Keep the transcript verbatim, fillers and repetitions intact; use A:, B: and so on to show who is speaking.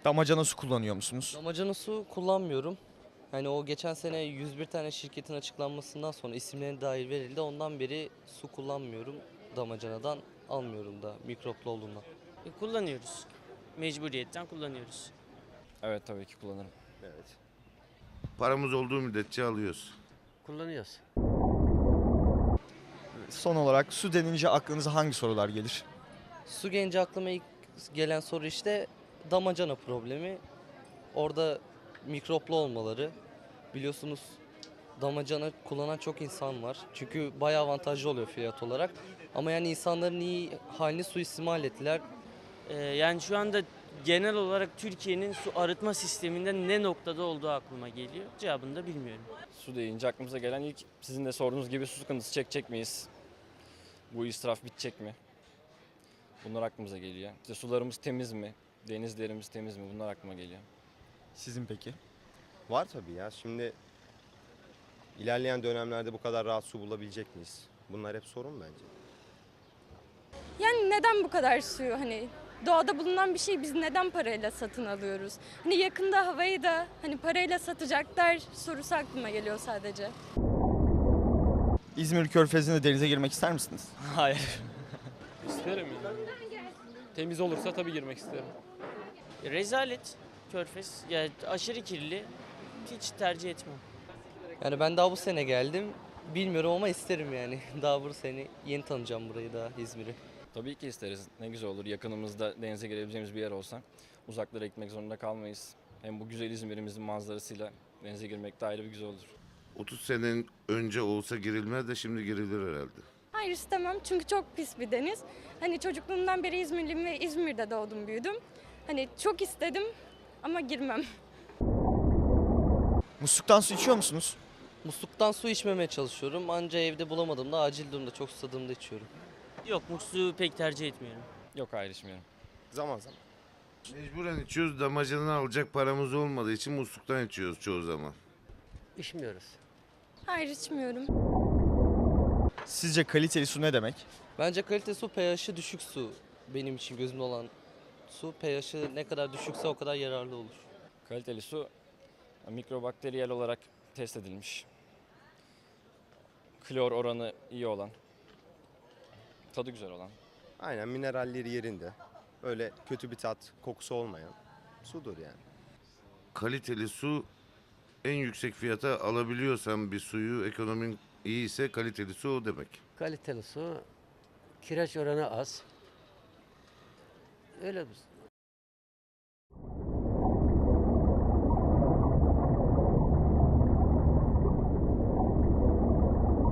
A: Damacana su kullanıyor musunuz?
B: Damacana su kullanmıyorum. Hani o geçen sene yüz bir tane şirketin açıklanmasından sonra isimlerine dair verildi. Ondan beri su kullanmıyorum. Damacanadan almıyorum da mikroplu olduğundan.
C: E, kullanıyoruz. Mecburiyetten kullanıyoruz.
D: Evet tabii ki kullanırım.
E: Evet.
F: Paramız olduğu müddetçe alıyoruz.
E: Kullanıyoruz.
A: Son olarak su denince aklınıza hangi sorular gelir?
B: Su gelince aklıma ilk gelen soru işte damacana problemi. Orada mikroplu olmaları. Biliyorsunuz damacana kullanan çok insan var. Çünkü bayağı avantajlı oluyor fiyat olarak. Ama yani insanların iyi halini suistimal ettiler.
C: E, yani şu anda genel olarak Türkiye'nin su arıtma sisteminde ne noktada olduğu aklıma geliyor. Cevabını da bilmiyorum.
D: Su deyince aklımıza gelen ilk sizin de sorduğunuz gibi su sıkıntısı çekecek miyiz? Bu israf bitecek mi? Bunlar aklımıza geliyor. İşte sularımız temiz mi? Denizlerimiz temiz mi? Bunlar aklıma geliyor.
A: Sizin peki?
E: Var tabii ya. Şimdi ilerleyen dönemlerde bu kadar rahat su bulabilecek miyiz? Bunlar hep sorun bence.
G: Yani neden bu kadar suyu hani doğada bulunan bir şey biz neden parayla satın alıyoruz? Hani yakında havayı da hani parayla satacaklar sorusu aklıma geliyor sadece.
A: İzmir Körfezi'nde denize girmek ister misiniz?
C: Hayır.
H: İsterim yani. Temiz olursa tabii girmek isterim.
C: Rezalet. Körfez. Yani aşırı kirli. Hiç tercih etmem.
B: Yani ben daha bu sene geldim. Bilmiyorum ama isterim yani. Daha bu sene yeni tanıyacağım burayı da İzmir'i.
D: Tabii ki isteriz. Ne güzel olur. Yakınımızda denize girebileceğimiz bir yer olsa uzaklara gitmek zorunda kalmayız. Hem bu güzel İzmir'imizin manzarasıyla denize girmek de ayrı bir güzel olur.
F: otuz sene önce olsa girilmez de şimdi girilir herhalde.
G: Hayır istemem çünkü çok pis bir deniz. Hani çocukluğumdan beri İzmirliyim ve İzmir'de doğdum büyüdüm. Hani çok istedim ama girmem.
A: Musluktan su içiyor musunuz?
B: Musluktan su içmemeye çalışıyorum. Anca evde bulamadığımda acil durumda çok susadığımda içiyorum.
C: Yok, musluğu pek tercih etmiyorum.
D: Yok hayır içmiyorum.
E: Zaman zaman.
F: Mecburen içiyoruz. Damacanını alacak paramız olmadığı için musluktan içiyoruz çoğu zaman.
E: İçmiyoruz.
G: Hayır içmiyorum.
A: Sizce kaliteli su ne demek?
B: Bence kalite su pH'i düşük su. Benim için gözümde olan su pH'i ne kadar düşükse o kadar yararlı olur.
D: Kaliteli su mikrobakteriyel olarak test edilmiş. Klor oranı iyi olan. Tadı güzel olan.
E: Aynen mineralleri yerinde. Öyle kötü bir tat, kokusu olmayan sudur yani.
F: Kaliteli su en yüksek fiyata alabiliyorsan bir suyu ekonomin iyiyse kaliteli su o demek.
I: Kaliteli su, kireç oranı az. Öyle